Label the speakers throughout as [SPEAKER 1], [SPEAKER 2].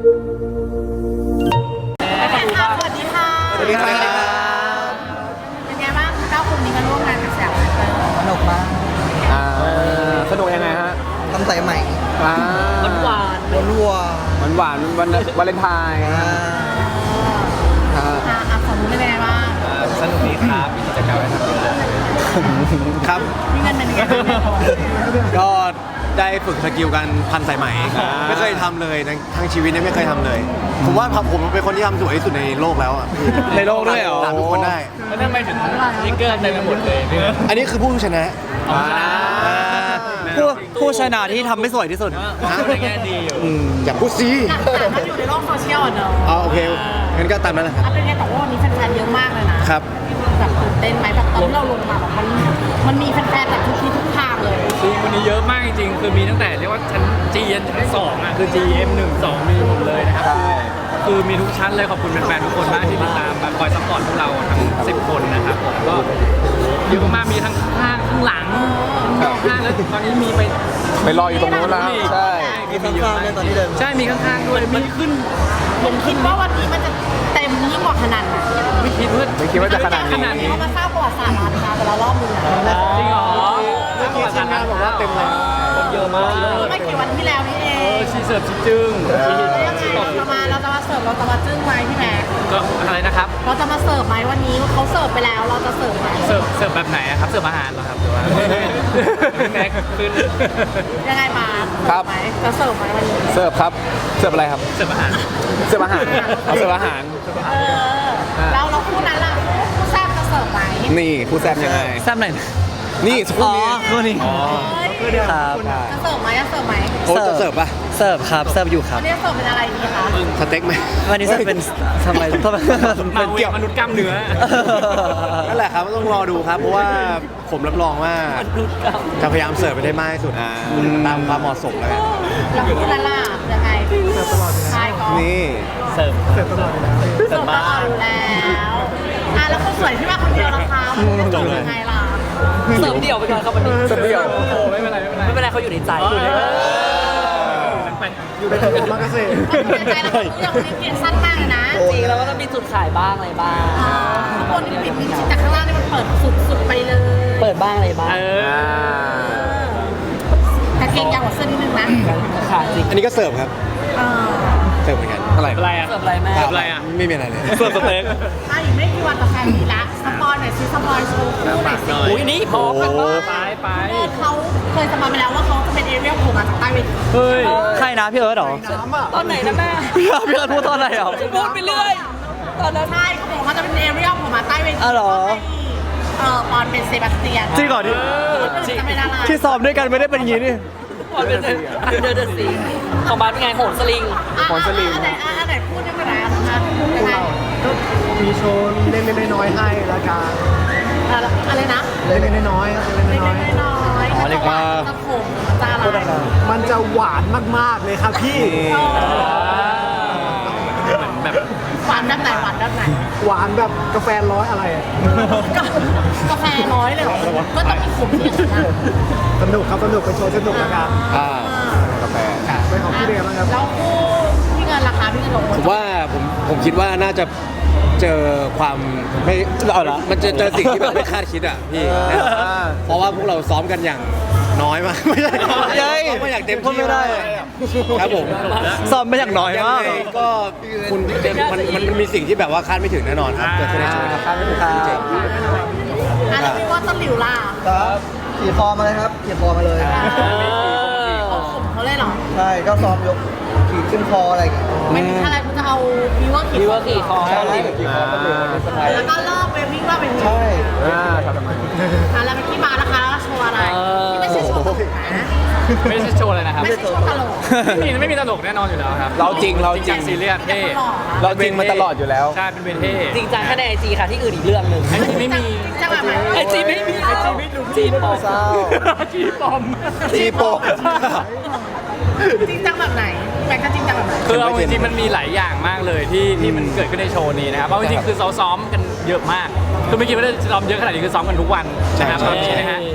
[SPEAKER 1] ค่ะสวัสดีค่ะ
[SPEAKER 2] สวัสดีครับ
[SPEAKER 1] เป็นไงบ้าง9 คนนี้มาร่วมงานกับแซวเตอร์
[SPEAKER 2] สนุกมาก
[SPEAKER 3] สนุกยังไงฮะ
[SPEAKER 2] ทำใส่ใหม่
[SPEAKER 3] หวาน
[SPEAKER 2] รัว
[SPEAKER 3] หวานวันวาเลนไทน์
[SPEAKER 2] ๆ
[SPEAKER 1] ของนู้นเป็นไงบ้าง
[SPEAKER 3] สนุกดีครับมีกิจกรรมให้ทำเยอะครับ
[SPEAKER 1] มีเงินเป็นยังไงบ้าง
[SPEAKER 4] ก็ได้ฝึกสกิลการพันสายไหมไม่เคยทำเลยทั้งชีวิตเนี่ยไม่เคยทำเลย ผมว่าผมเป็นคนที่ทำสวยที่สุดในโลกแล้วอ่ะ
[SPEAKER 3] ในโลกด้วยเหรอ
[SPEAKER 4] ถามทุกคนได้
[SPEAKER 3] แล้วทำไมถึงสติ๊กเกอร์เต็มไปหมดเลยเนี่ย
[SPEAKER 4] อันนี้คือผู้ชนะ
[SPEAKER 2] ผู้ชนะที่ทำไม่สวยที่สุด
[SPEAKER 3] ในแง่ดีอยู่
[SPEAKER 4] อย่าพูดซี
[SPEAKER 1] แต่มันอยู่ในโลกโซเชียลเนอะ
[SPEAKER 4] อ๋อโอเคงั้นก็ตามนั้นแหละครับ
[SPEAKER 1] เป็นไงแต่ว่าวันนี้แฟนๆเยอะมากเลยนะครับ แบบตื่นเต้นไหมแบบตอนที่เราลงมาแบบมันมีแฟนๆแบบทุกที่ทุกทางเลย
[SPEAKER 5] คือวันนี้เยอะมากจริงๆ คือมีตั้งแต่เรียกว่าชั้น G ยันชั้น2อ่ะ คือ GM 1 2 มีหมดเลยนะครับ คือมีทุกชั้นเลยขอบคุณแฟนๆทุกคนมากที่ติดตามแบบคอยซัพพอร์ตพวกเราทั้ง 10 คนนะครับผมก็เยอะมากมีทั้งข้างข้างหลังข้างแล้วตอนนี้มีไป
[SPEAKER 3] ไปรออยู่ตรงนู้นแล้วใช่
[SPEAKER 2] มีข้างๆด้วยตอนที่เดิน
[SPEAKER 5] ใช่มีข้างๆด้วยมีขึ้น
[SPEAKER 1] ผมคิดว่าวันนี้มันจะเต็มยิ่งกว่าขนาดไหน
[SPEAKER 5] ไม่คิดว่า
[SPEAKER 3] ไม่คิดว่าจะขนาด
[SPEAKER 5] ขนาด
[SPEAKER 3] นี้
[SPEAKER 5] นี้
[SPEAKER 1] เขามาสร้างประวัติศาสตร์ร้านค้าแต่ละรอบนึงนะ
[SPEAKER 5] จริงเหรอ
[SPEAKER 4] เมื่อกี้ทีมงานบอกว่าเต็มแล้ว
[SPEAKER 5] คนเยอะมาก
[SPEAKER 1] ไม่กี่วันที่แล้วนี่เอง
[SPEAKER 5] ชีเสิร์ฟชีจึ้ง
[SPEAKER 1] เราจะมาเสิร์ฟเราจะมาจึ้งไหมพี่แม็ก
[SPEAKER 5] ก็อะไรนะครับ
[SPEAKER 1] เราจะมาเสิร์ฟไหมวันนี้เขาเสิร์ฟไปแล้วเราจะเสิร์ฟไหม
[SPEAKER 5] เสิร์ฟแบบไหนอะครับ เสิร์ฟอาหารเหรอครับหรือว่าแม็กขึ้น
[SPEAKER 1] ยังไงมา
[SPEAKER 3] ครับ
[SPEAKER 1] ไหมจะเสิร์ฟไหมวันนี้
[SPEAKER 3] เสิร์ฟครับเสิร์ฟอะไรครับ
[SPEAKER 5] เสิร์ฟอาหาร
[SPEAKER 3] เสิร์ฟอาหารเอาเสิร์ฟอาหาร
[SPEAKER 1] แล้วเราคู่นั้นล่ะคู่แซ่บจะเสิร์ฟไหม
[SPEAKER 3] นี่ผู้แซ่บยังไง
[SPEAKER 2] แซ่บไหน
[SPEAKER 3] นี่สักครู่นี้
[SPEAKER 2] คู่นี้ครับ
[SPEAKER 1] จะเสิร์ฟไหมจะเสิร์ฟไหม
[SPEAKER 4] โค้ชจะเสิร์ฟป่ะ
[SPEAKER 2] เสิร์ฟครับ เสิร์ฟอยู่ครับ
[SPEAKER 1] วันนี้เสิร์ฟเป็นอะไรดีคะ
[SPEAKER 4] สเต็กไหม
[SPEAKER 2] วันนี้เสิร์ฟเป็นทำไม
[SPEAKER 5] มา
[SPEAKER 2] เป็น
[SPEAKER 5] เกี่ยวมนุษย์กล้ามเนื้อ
[SPEAKER 4] นั่นแหละครับต้องรอดูครับ เพราะว่าผมรับรองว่าจะพยายามเสิร์ฟไปได้มากที่สุดตามความเหมาะสมแล้วกัน
[SPEAKER 1] แล้วคู่นั้นล่ะยังไงเสิร์ฟตลอดใช่ก็
[SPEAKER 3] นี่
[SPEAKER 5] เสิร์ฟ
[SPEAKER 1] เสิร์ฟตลอดอยู่แล้วแล้วคนสวยที่มาคนเดียวนะคะจะจบยังไงล่ะ
[SPEAKER 2] เสิร์ฟเดี่ยวไปก่อนครับวันนี้
[SPEAKER 3] เสิร์ฟเดี่ยว
[SPEAKER 5] โอ้ไม่เป็นไรไม่เป็นไร
[SPEAKER 2] ไม่เป็นไรเขาอยู่ในใจ
[SPEAKER 4] อยู่ในตัวมากเซ่
[SPEAKER 1] ในใจเรายังมีเพียงสั้นมากเลยนะ
[SPEAKER 2] จริงแล้วก็ต้องมีจุดขายบ้างอะไรบ้าง
[SPEAKER 1] ข้างบนนี่ปิดมิดชิดแต่ข้างล่างนี่มันเปิดสุดไปเลย
[SPEAKER 2] เปิดบ้างอะไรบ้าง
[SPEAKER 1] แต่เกงยาวกว่าเสื้อนิดนึงนะ
[SPEAKER 2] ขาดจริง
[SPEAKER 4] อันนี้ก็เสิร์ฟครับ เสิร์ฟเหมือนกัน
[SPEAKER 3] อะไร
[SPEAKER 5] อะไรอ่ะ
[SPEAKER 2] เสิร์ฟอะไรแม่
[SPEAKER 5] เสิร์ฟอะไรอ่ะ
[SPEAKER 4] ไม่มีอะไรเลย
[SPEAKER 5] เสิร์ฟสเต็ก
[SPEAKER 1] อีกไม่กี่วันต่อแฟนมีละสปอยหน่อยซิสปอยโชว์คู่หน่อยสิ
[SPEAKER 2] อุ้ยนี่พร้อมกันบ้าง
[SPEAKER 5] ไป
[SPEAKER 1] เขาเคยสปอยไปแล้วว่าเขาจะเป็นเอเรียลโผล่มาจากใต้เวที
[SPEAKER 5] เฮ้ย
[SPEAKER 2] ใครนะพี่เอิร์ธเหรอ
[SPEAKER 1] ตอนไหนนะแม่
[SPEAKER 2] พี่เอิร์ธพูดตอนไหนเหรอ
[SPEAKER 1] พูดไปเรื่อยตอนนั้นใช่เขาบอกว่าจะเป็นเอเรียลโผล่มาใต้เวที
[SPEAKER 2] อ๋อเหรอ
[SPEAKER 1] ปอนเป็นเซบาสเตียน
[SPEAKER 2] จริงเหรอที่
[SPEAKER 1] จะเป็นอะไร
[SPEAKER 2] ที่ซ้อมด้วยกันไม่ได้เป็นอย่างนี้นี่
[SPEAKER 6] บอลเป็นอันเดอร์เดอะซีของบ้านเป็นไงโหนสลิง
[SPEAKER 1] อันไหนพูดได้ไหมนะยังไง
[SPEAKER 4] มีโชว์เล็กๆน้อยๆให้ละกัน
[SPEAKER 1] อะไรนะ
[SPEAKER 4] เล็กๆน้อยๆครับเล็ก
[SPEAKER 1] เล็
[SPEAKER 4] ๆ
[SPEAKER 1] ก
[SPEAKER 4] น้อย
[SPEAKER 1] ๆน้อยๆจะหวานจะขมจะอะไร
[SPEAKER 4] ๆมันจะหวานมากๆเลยครับพี่
[SPEAKER 5] เหมือนแบบ
[SPEAKER 1] หวานด้านไหนหวานด้านไหน
[SPEAKER 4] หวานแบบกาแฟร้อยอะไรอะ
[SPEAKER 1] กาแฟน้อยเลยเหรอก็ต้องมีขมที่อย่างนั้น
[SPEAKER 4] สนุกครับสนุกเป็นโชว์สนุกแล้วกัน
[SPEAKER 3] กาแฟ
[SPEAKER 4] เป็นของพี่เดมนะครับ
[SPEAKER 1] แล้วคู่พี่เงินราคาพี่เงินลง
[SPEAKER 4] ผมว่าผมคิดว่าน่าจะเจอความไม่มันจะเจอสิ่งที่แบบไม่คาดคิดอ่ะพี่เพราะว่าพวกเราซ้อมกันอย่างน้อยมากไม่ใช่ซ้อมมาอย่างเต็มที่ไม่ได้ครับผม
[SPEAKER 2] ซ้อมไม่อย่างน้อยมาก
[SPEAKER 4] งไงก็คุณมันมีสิ่งที่แบบว่าคาดไม่ถึงแน่นอนครับเกิดขึ้นในโชว์ครับ
[SPEAKER 2] ครับ
[SPEAKER 1] แล้วพี่ว่าต้นหลิวล่ะ
[SPEAKER 2] ครับขี่คอมาเลยครับขี่คอมาเลย
[SPEAKER 1] เขาขมเขาเลยเหรอ
[SPEAKER 2] ใช่ก็ซ้อมยกขี่ขึ้นคออะไรอย่างเงี้ย
[SPEAKER 1] ไม่มีอะไรคุณจะเอาวิวเวอร์
[SPEAKER 6] วิวว่าขี่คอ
[SPEAKER 2] ใช่ขี่คอก็เลยเป็นสไตล์
[SPEAKER 1] แล้วก็เลิกไปวิ่งว่าไปวิ่ง
[SPEAKER 2] ใช่
[SPEAKER 3] ทำไม
[SPEAKER 1] แล้วเป็นที่มานะคะแล้วโชว์อะไรที่ไม่ใช่โชว์ตลกนะ
[SPEAKER 5] ไม่ใช่โชว์เลยนะครับ
[SPEAKER 1] ไม่ใช่โชว์ตลก
[SPEAKER 5] ไม่มีตลกแน่นอนอยู่แล้วครับ
[SPEAKER 3] เราจริง
[SPEAKER 5] ซีเรียสเท่
[SPEAKER 3] เราจริงมาตลอดอยู่แล้ว
[SPEAKER 5] ใช่เป็นเวนเท่
[SPEAKER 6] จริงจังแค่ในไอจีค่ะที่อื่นอีกเรื่องหนึ่ง
[SPEAKER 5] ไอจีไม่มี
[SPEAKER 1] จะแบบไหน
[SPEAKER 6] ไอจีไม่มีไอจีไม่รู้จีปอม
[SPEAKER 2] เศร้า
[SPEAKER 5] จีปอม
[SPEAKER 3] จีโป
[SPEAKER 1] จริงจังแบบไหนแม็กก็จริงจังแบบไหน
[SPEAKER 5] คือเอาจริงๆมันมีหลายอย่างมากเลยที่มันเกิดขึ้นในโชว์นี้นะครับเอาจริงๆคือซ้อมกันเยอะมากคือไม่คิดว่าจะซ้อมเยอะขนาดนี้คือซ้อมกันทุกวันนะครับตอนนี้นะฮะ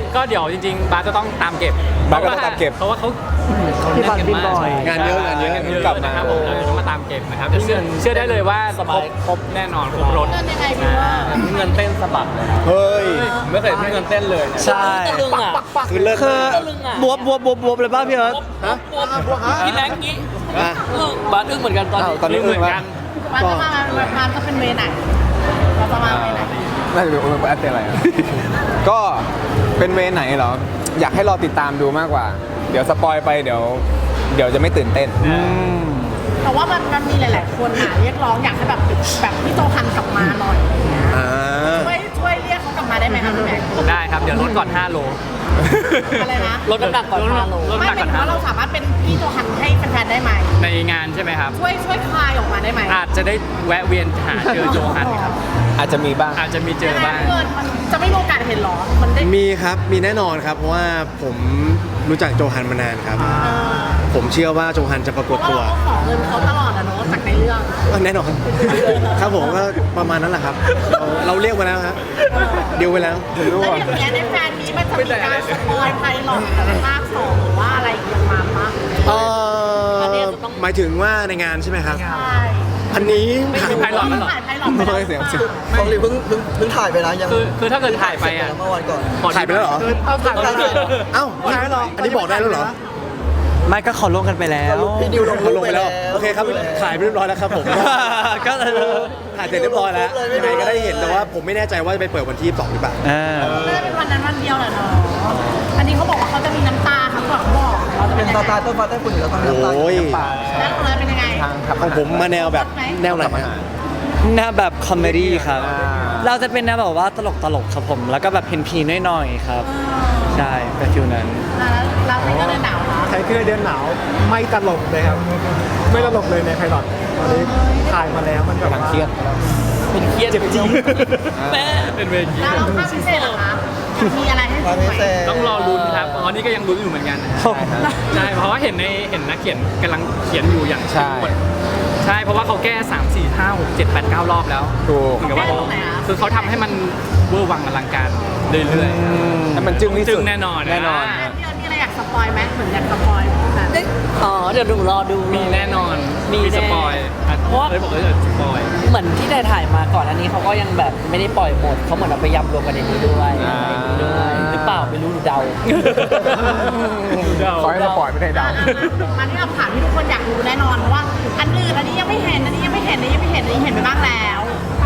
[SPEAKER 5] ก็เดี๋ยวจริงๆบาสจะต้องตามเก็บบ
[SPEAKER 3] าสก็ต้องตามเก็บ
[SPEAKER 5] เพราะว่าเขาแน่นกันมาก
[SPEAKER 4] งานเยอะงานเยอะ
[SPEAKER 5] กลับมาครับผมเราจะต้องมาตามเก็บนะครับแต่เชื่อได้เลยว่าครบแน่นอนครบรถ
[SPEAKER 1] เงินยังไงพี่ว่า
[SPEAKER 3] เงินเต้นสะบัดเลยนะ
[SPEAKER 4] เฮ้ย
[SPEAKER 3] ไม่เคยเงินเต้นเลย
[SPEAKER 2] ใช่
[SPEAKER 6] ตะลึงอ่ะ
[SPEAKER 4] คือเลิศ
[SPEAKER 2] คือ
[SPEAKER 4] มาก
[SPEAKER 2] บวบบวบเลยป่ะพี่เอิร์ธ
[SPEAKER 6] พี่แม็กกี้
[SPEAKER 4] อ่ะ
[SPEAKER 6] บาสอึ้งเหมือนกันตอนนี้
[SPEAKER 3] ตอนนี้
[SPEAKER 5] เหมือนกัน
[SPEAKER 1] มันจะมาจะเป็นเวไหนเราจะมาเวไหน
[SPEAKER 3] น่าจะเป็นโอเปร่าเต้นอะไรอะก็เป็นเวย์ไหนเหรอ อยากให้รอติดตามดูมากกว่า เดี๋ยวสปอยไปเดี๋ยวจะไม่ตื่นเต้น
[SPEAKER 1] แต่ว่ามันมีหลายๆคนเรียกร้องอยากให้แบบพี่โจฮันกลับมาหน่อยอะไรเงี้ย
[SPEAKER 4] อ่า
[SPEAKER 1] ช่วยเรียกเขากลับมาได้ไหมครับพี่แม็ก
[SPEAKER 5] ได้ครับเดี๋ยวลดก่อน5 โล
[SPEAKER 1] อะไรนะ
[SPEAKER 6] ลดน้ำหนักก่อน5 โล
[SPEAKER 5] ลด
[SPEAKER 1] ไม่
[SPEAKER 5] น้ำหนัก
[SPEAKER 1] เป็
[SPEAKER 5] ก่อน น5
[SPEAKER 1] ว่า
[SPEAKER 5] โล
[SPEAKER 1] เราสามารถเป็นพี่โจฮันให้แฟนๆได้ไหม
[SPEAKER 5] ในงานใช่ไหมครับ
[SPEAKER 1] ช่วยคลายออกมาได้ไหม
[SPEAKER 5] อาจจะได้แวะเวียนหาเจอโจฮันครับ
[SPEAKER 3] อาจจะมีบ้าง
[SPEAKER 5] อาจจะมีเจอบ้าง
[SPEAKER 1] เกินมันจะไม่มีโอกาสเห็นหรอมันได้
[SPEAKER 4] มีครับ มีแน่นอนครับ เพราะว่าผมรู้จักโจฮันมานานครับ ผมเชื่อว่าโจฮันจะปรากฏ
[SPEAKER 1] เพราะ
[SPEAKER 4] ตัว
[SPEAKER 1] เราก็ขอเงินเขาตลอดอะเนาะจากในเรื่อง
[SPEAKER 4] แน่นอน ครับผมก็ประมาณนั้นแหละครับ เราเรียกมาแล้วครับเดียวไปแล้ว
[SPEAKER 1] แล้วอย่างเงี้ยในแฟนนี้มันจะมีการสปอยไพลอตแต่ภาค2หรือว่าอะไรอย่างมาปะ
[SPEAKER 4] เอ่หมายถึงว่าในงานใช่ไหมครับ
[SPEAKER 1] ใช่
[SPEAKER 4] อันนี้
[SPEAKER 5] ไม่มีไพลอตแล้วเหรอ
[SPEAKER 1] ถ่ายไพลอตไปแล้ว
[SPEAKER 3] เสียงเสียง
[SPEAKER 2] ของลีเพิ่งถ่ายไปนะยัง
[SPEAKER 5] คือถ้าเกิดถ่ายไปอ่ะ
[SPEAKER 2] เมื่อวันก่อน
[SPEAKER 4] ถ่ายไปแล้วเหรอ
[SPEAKER 1] เอาถ่ายไปแล้ว
[SPEAKER 4] เอ้าอันนี้บอกได้แล้วเหรอ
[SPEAKER 2] ไม่ก็ขอลงกันไปแล้วพี่ดิวลง
[SPEAKER 4] เขาลงไปแล้ว โอเคครับ ถ่ายไปเรียบร้อยแล้วครับผม
[SPEAKER 2] ก็
[SPEAKER 4] ถ่ายเสร็จเรียบร้อยแล้วยังไงก็ได้เห็น แต่ว่าผมไม่แน่ใจว่าจะไปเปิดวันที่22หรือเปล่า
[SPEAKER 1] ไม่ได้เป็นวันนั้นวันเดียวแหละเนาะอันนี้เขาบอกว่าเขาจะมีน้ำตาครับบอกเราจะ
[SPEAKER 2] เป็
[SPEAKER 1] เป็น น
[SPEAKER 2] ตาตาต้นฟ้าใต้ฝุ่นอยู่แล้วต้องมีน้ำตา
[SPEAKER 4] โอ้ย
[SPEAKER 1] แล้วของเราเป็นยังไง
[SPEAKER 3] ทางขับ
[SPEAKER 4] ของผมมาแนวแบบแนวไหนฮะ
[SPEAKER 7] แนวแบบคอมเมดี้ครับ เราจะเป็นแนวแบบว่าตลกครับผม แล้วก็แบบเพนพีหน่อยๆครับ ใช่เป็นฟิลนั้น
[SPEAKER 1] แล้วเราเป็นก็เลยหนาวนะ
[SPEAKER 8] ไทเกอร์เดือนหนาวไม่ตลกเลยครับ ไม่ตลกเลยในไพลอตตอนนี้ถ่ายมาแล้วมันแบบ
[SPEAKER 3] กำลัง
[SPEAKER 8] ว่า
[SPEAKER 3] เครียด
[SPEAKER 6] เป็นเครียด
[SPEAKER 8] เจ็บจี๊ด
[SPEAKER 6] แม่
[SPEAKER 5] เป็นเวที
[SPEAKER 1] แล้วเราภาคพิเศษเหรอคะมีอะไรให้
[SPEAKER 2] ความ
[SPEAKER 1] ดู
[SPEAKER 2] พิ
[SPEAKER 1] ไหม
[SPEAKER 2] เศษ
[SPEAKER 5] ต้องรอลุ้นครับตอนนี้ก็ยังลุ้นอยู่เหมือนกันใช่เพราะว่าเห็นนักเขียนกำลังเขียนอยู่อย่างเข้มข้นใช่เพราะว่าเขาแก้3 4 5 6 7 8 9 รอบแล้ว
[SPEAKER 3] ถูก
[SPEAKER 5] เหมือนกับว่าคือเขาทำให้มันเวอร์วังอลังการเรื่อย
[SPEAKER 3] ให้มันจึ้งที่
[SPEAKER 5] จึ
[SPEAKER 3] สุ
[SPEAKER 5] ง
[SPEAKER 3] ด
[SPEAKER 5] แน่นอน
[SPEAKER 3] แน่นอน
[SPEAKER 1] พี่เอิร์ธมีอะไรอยากสปอยไหมเหมือนอยากสปอยค่ะ
[SPEAKER 6] อ๋อเดี๋ยวหนูรอดู
[SPEAKER 5] มีแน่นอน
[SPEAKER 6] มี
[SPEAKER 5] มี
[SPEAKER 6] แน่
[SPEAKER 5] สปอย
[SPEAKER 6] เพราะว่า
[SPEAKER 5] เลยบอกเลยสปอย
[SPEAKER 6] เหมือนที่ถ่ายมาก่อนอันนี้เขาก็ยังแบบไม่ได้ปล่อยหมดเขาเหมือนเอาไปยำรวมกันในนี้ด้วย
[SPEAKER 3] อ่า
[SPEAKER 6] ด้วยหรือเปล่าไม่รู้หนูเดา
[SPEAKER 3] ขอให้สปอยไม่ได้เดา
[SPEAKER 1] มาที่คำถามที่ทุกคนอยากรู้แน่นอนเพราะว่าอันอื่นอันนี้ยังไม่เห็นอันนี้ยังไม่เห็นอันนี้ยังไม่เห็นอันนี้เห็นไปบ้างแล้ว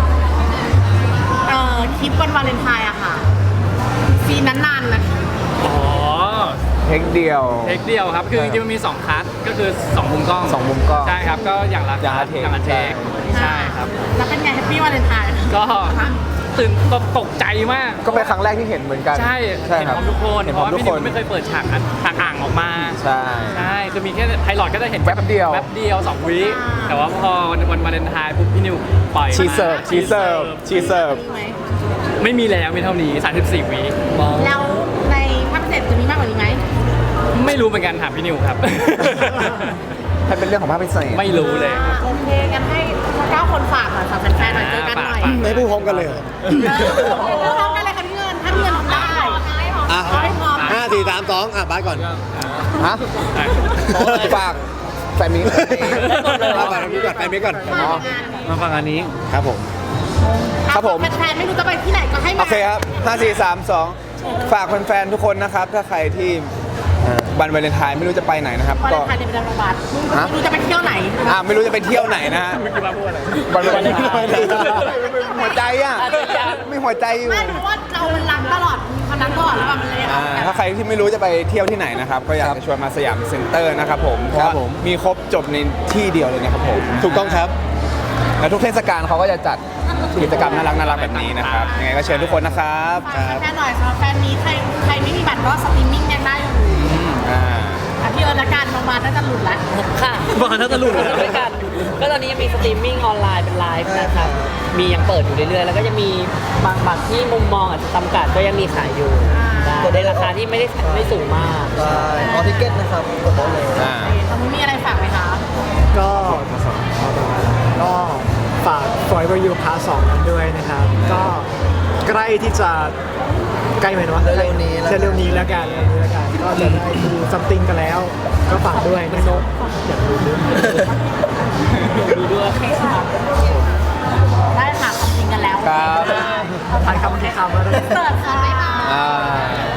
[SPEAKER 1] คลิปวันวาเลนไทน์อะค่ะซีนนั้นนานนะ
[SPEAKER 5] อ๋อ
[SPEAKER 3] เทคเดียว
[SPEAKER 5] เทคเดียวครับคือจริงๆมันมี2คัทก็คือ2มุมกล้อง
[SPEAKER 3] สองมุมกล้อง
[SPEAKER 5] ใช่ครับก็อย่างละ
[SPEAKER 3] อย่างละเทค
[SPEAKER 5] อย่างละเทคใช่ครับ
[SPEAKER 1] แล้วเป็นไงแฮปปี้วาเลนไทน์
[SPEAKER 5] ก็ตื่นตกใจมาก
[SPEAKER 3] ก็เป็นครั้งแรกที่เห็นเหมือนกัน
[SPEAKER 5] ใช่
[SPEAKER 3] ใช่
[SPEAKER 5] เห็น
[SPEAKER 3] ค
[SPEAKER 5] พ
[SPEAKER 3] รับ
[SPEAKER 5] ร้อมทุกคน
[SPEAKER 3] เห็น
[SPEAKER 5] เพ
[SPEAKER 3] พร้อ
[SPEAKER 5] ราะ
[SPEAKER 3] ม
[SPEAKER 5] ว่า
[SPEAKER 3] ทุก
[SPEAKER 5] พี่
[SPEAKER 3] ค
[SPEAKER 5] นิ
[SPEAKER 3] น
[SPEAKER 5] วไม่เคยเปิดฉากอ่างออกมา
[SPEAKER 3] ใช่
[SPEAKER 5] ใช่คือมีแค่ไพลอตก็จะเห็น
[SPEAKER 3] แป๊บเดียว
[SPEAKER 5] แป๊บเดียว2 วิแต่ว่าพอวันวาเลนไทน์ปุ๊บพี่นิวปล่อย
[SPEAKER 3] ชีเสิร์ฟ
[SPEAKER 5] มา
[SPEAKER 3] ชีเสิร์ฟชีเสิร์ฟ
[SPEAKER 1] มีไหม
[SPEAKER 5] ไม่มีแล้วมีเท่านี้34 วิ
[SPEAKER 1] แล้วในภาคพิเศษจะมีมากกว่านี้ไหม
[SPEAKER 5] ไม่รู้เหมือนกันถามพี่นิวครับ
[SPEAKER 3] ให้เป็นเรื่องของภาพพิเศษ
[SPEAKER 5] ไม่รู้เลย
[SPEAKER 1] โอเคกันให้9 คนฝากหน่อยฝากแฟนๆหน่อยเจอกันหน่อย
[SPEAKER 4] ไม่พูดพร้อมกันเลยเหรอ
[SPEAKER 1] พร้อมกันเลยค่ะพี่เงินถ้าพี่เงินทำได้
[SPEAKER 4] อ่ะ
[SPEAKER 1] ให้พร้อม
[SPEAKER 4] 5 4 3 2อ่ะบายก่อน
[SPEAKER 3] ฮะฝากแฟนมิ้ง
[SPEAKER 4] บายก่อนพี่ก่อนไปมิกก่อน
[SPEAKER 7] มาฟังอันนี้
[SPEAKER 4] ครับผม
[SPEAKER 3] ครับผม
[SPEAKER 1] แฟนๆไม่รู้จะไปที่ไหนก็ให้มา
[SPEAKER 3] โอเคครับ 5 4 3 2 ฝากแฟนๆทุกคนนะครับ ถ้าใครที่วันวาเลนไทน์ไม่รู้จะไปไหนนะครับ
[SPEAKER 1] วัน
[SPEAKER 3] ก็
[SPEAKER 1] เลนไทน์ในประจำวัน
[SPEAKER 3] ฮะ
[SPEAKER 1] ไม่รู้จะไปเที่ยวไหน
[SPEAKER 3] ไม่รู้จะไปเที่ยวไหนนะฮะวันวาเลนไทน์หัวใจอ่ะ
[SPEAKER 6] อาจจะยัง
[SPEAKER 3] ไม่หัวใจอยู่
[SPEAKER 1] ไม่เพราะว่าเรามันรักตลอดคนนั้นตลอดแล้วแบบมันเลย
[SPEAKER 3] ถ้าใครที่ไม่รู้จะไปเที่ยวที่ไหนนะครับ ก็อยากจะชวนมาสยามเซ็นเตอร์นะครับผมเพราะว่ามีครบจบในที่เดียวเลยนะครับผม
[SPEAKER 4] ถูกต้องครับ
[SPEAKER 3] แล้วทุกเทศกาลเขาก็จะจัดกิจกรรมน่ารักๆแบบนี้นะครับยังไงก็เชิญทุกคนนะครับ
[SPEAKER 1] แฟนหน่อยสำหรับแฟนนี้ใครไม่มีบัตรก็สตรีมมิ่งยังได้อยู่
[SPEAKER 3] อ่า
[SPEAKER 1] พี่เอิร์ธละกันประมาณน่าจะหลุดละ
[SPEAKER 6] ค่ะ
[SPEAKER 7] บ้านน่าจะหลุด
[SPEAKER 6] ด้วยกันก็ตอนนี้ยังมีสตรีมมิ่งออนไลน์เป็นไลฟ์นะครับ มียังเปิดอยู่เรื่อยๆ แล้วก็จะมีบางบัตรที่มุมมองอาจจะจำกัดก็ยังมีขายอยู่ได้ในราคาที่ไม่สูงมาก
[SPEAKER 2] ใช่ออทิเก็ตนะครับกดได้เลย
[SPEAKER 3] อ่า
[SPEAKER 1] ตอนนี้มีอะไรฝากไหมคะ
[SPEAKER 8] ก็ฝาก Forever You Part 2นั้นด้วยนะครับ ก็ใกล้ที่จะใกล้ไหมเนาะ
[SPEAKER 2] เร็วๆนี้แล้วกัน
[SPEAKER 8] เร็วๆนี้แล้วกันก็จะได้ดูซัมติงกันแล้ว ก็ฝากด้วยนะครับอยากดูด้วย
[SPEAKER 1] ได้ค่ะทำจริงกันแล้ว
[SPEAKER 3] ครับ
[SPEAKER 8] ถ่ายคำที่คำแล้ว
[SPEAKER 1] เสิร์ฟค่ะ
[SPEAKER 3] อ่า